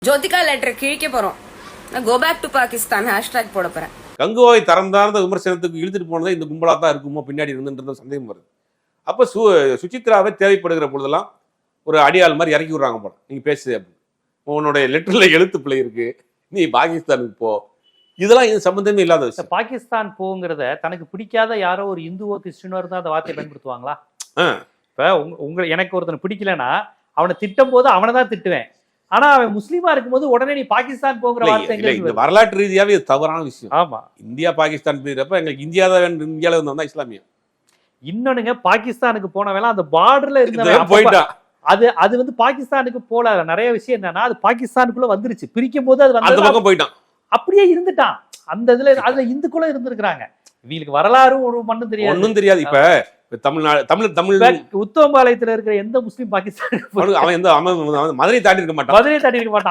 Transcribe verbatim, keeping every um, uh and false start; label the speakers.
Speaker 1: Jyothika letter கிழிக்க போறோம். நான் go back to Pakistan hashtag போட போறேன்.
Speaker 2: கங்குவாய் தரம் தாழ்ந்த விமர்சனத்துக்கு இழுத்துட்டு போனதே இந்த கும்பலா தான் இருக்குமோ பின்னாடி இருந்துன்றது சந்தேகம் வருது. அப்ப சு சுசித்ராவை தேவைப்படுகிற பொழுதெல்லாம் ஒரு அடியாள் மாதிரி இறக்கி விடுறாங்க போல. நீங்க பேசு அப்படின்னு, உன்னுடைய லெட்டர்ல எழுத்து பிள்ளை இருக்கு, நீ பாகிஸ்தானுக்கு போ. இதெல்லாம் இது சம்பந்தமே இல்லாத விஷயம்.
Speaker 3: பாகிஸ்தான் போங்கிறத தனக்கு பிடிக்காத யாரோ ஒரு இந்துவோ கிறிஸ்டினோ இருந்தா அந்த வார்த்தையை பயன்படுத்துவாங்களா? இப்ப உங்க எனக்கு ஒருத்தனை பிடிக்கலன்னா அவனை திட்டும் போது அவனை தான் திட்டுவேன். ஆனா அவன் முஸ்லீமா இருக்கும்போது உடனே நீ பாகிஸ்தான் போங்கிற வார்த்தை
Speaker 2: இந்த வரலாற்று ரீதியாவே இது தவறான விஷயம்.
Speaker 3: ஆமா,
Speaker 2: இந்தியா பாகிஸ்தான் போயிடுறப்ப எங்களுக்கு இந்தியா தான் இந்தியாவில இருந்தா இஸ்லாமியம்.
Speaker 3: இன்னொன்னுங்க, பாகிஸ்தானுக்கு போனவெல்லாம் அந்த பார்டர்ல இருந்த
Speaker 2: போயிட்டா
Speaker 3: அது அது வந்து பாகிஸ்தானுக்கு போல நிறைய விஷயம் என்னன்னா அது பாகிஸ்தானுக்குள்ள வந்துருச்சு. பிரிக்கும் போது அது
Speaker 2: அந்த பக்கம் போயிட்டான்,
Speaker 3: அப்படியே இருந்துட்டான். அந்த இதுல அதுல இந்துக்குள்ள இருந்திருக்கிறாங்க. இவங்களுக்கு வரலாறும் ஒரு மண்ணும் தெரியாது,
Speaker 2: ஒன்னும் தெரியாது. இப்ப தமிழ்நாடு தமிழ் தமிழ்
Speaker 3: உத்தமபாளையத்துல இருக்கிற எந்த முஸ்லீம் பாகிஸ்தான்
Speaker 2: அவன் எந்த மதுரை தாண்டி இருக்க மாட்டான்
Speaker 3: மதுரை தாண்டி இருக்க மாட்டான்.